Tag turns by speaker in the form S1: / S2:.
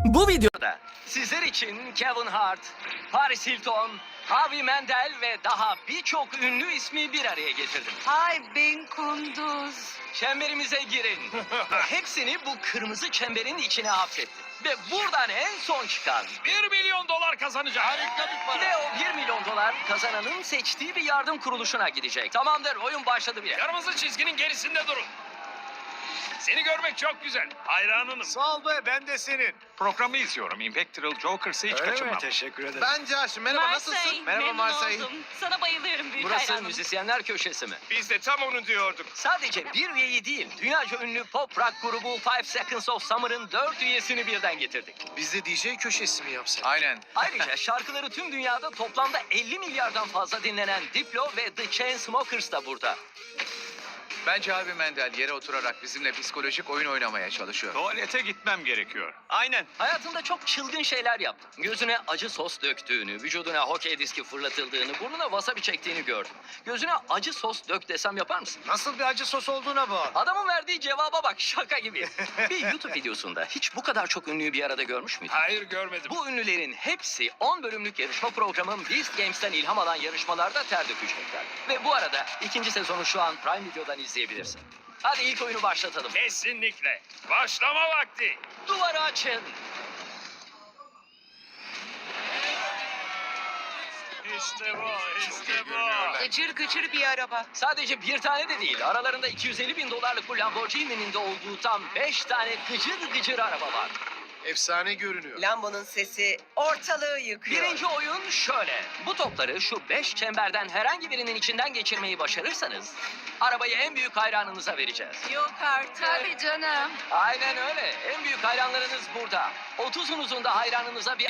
S1: Bu videoda sizler için Kevin Hart, Paris Hilton, Harvey Mandel ve daha birçok ünlü ismi bir araya getirdim.
S2: Ay ben Kunduz.
S1: Çemberimize girin. Hepsini bu kırmızı çemberin içine hapsettim. Ve buradan en son çıkan
S3: $1 milyon kazanacak.
S4: Harika bir para.
S1: ve o 1 milyon dolar kazananın seçtiği bir yardım kuruluşuna gidecek. Tamamdır, oyun başladı bile.
S3: Kırmızı çizginin gerisinde durun. Seni görmek çok güzel. Hayranınım.
S4: Sağ ol be, ben de senin.
S3: Programı izliyorum. Impactful Jokers'ı hiç kaçırmam.
S4: Teşekkür ederim.
S5: Ben Josh. Merhaba, nasılsın? Merhaba Marsay.
S2: Sana bayılıyorum büyük
S1: Burası
S2: hayranım.
S1: müzisyenler köşesi mi?
S5: Biz de tam onu diyorduk.
S1: Sadece bir üyeyi değil, dünyaca ünlü pop rock grubu 5 Seconds of Summer'ın 4 üyesini birden getirdik.
S5: Biz de DJ köşesi mi yapsak?
S4: Aynen.
S1: Ayrıca şarkıları tüm dünyada toplamda 50 milyardan fazla dinlenen Diplo ve The Chainsmokers da burada.
S4: Bence Harvey Mandel yere oturarak bizimle psikolojik oyun oynamaya çalışıyor.
S3: Tuvalete gitmem gerekiyor.
S5: Aynen.
S1: Hayatında çok çılgın şeyler yaptı. Gözüne acı sos döktüğünü, vücuduna hokey diski fırlatıldığını, burnuna wasabi çektiğini gördüm. Gözüne acı sos dök desem yapar mısın?
S5: Nasıl bir acı sos olduğuna bağlı.
S1: Adamın verdiği cevaba bak, şaka gibi. Bir YouTube videosunda hiç bu kadar çok ünlüyü bir arada görmüş müydün?
S3: Hayır, görmedim.
S1: Bu ünlülerin hepsi 10 bölümlük yarışma programın Beast Games'ten ilham alan yarışmalarda ter dökecekler. Ve bu arada ikinci sezonu şu an Prime Video'dan izleyebilirsin. Hadi ilk oyunu başlatalım.
S3: Kesinlikle. Başlama vakti.
S1: Duvarı açın.
S3: İşte bu, işte bu.
S2: Gıcır gıcır bir araba.
S1: Sadece bir tane de değil. Aralarında 250 bin dolarlık bu Lamborghini'nin de olduğu tam 5 tane gıcır gıcır araba var.
S5: Efsane görünüyor.
S6: Lambo'nun sesi ortalığı yıkıyor.
S1: Birinci oyun şöyle. Bu topları şu 5 çemberden herhangi birinin içinden geçirmeyi başarırsanız arabayı en büyük hayranınıza vereceğiz.
S2: Yok artık. Tabii canım.
S1: Aynen öyle. En büyük hayranlarınız burada. 30'unuzun da hayranınıza bir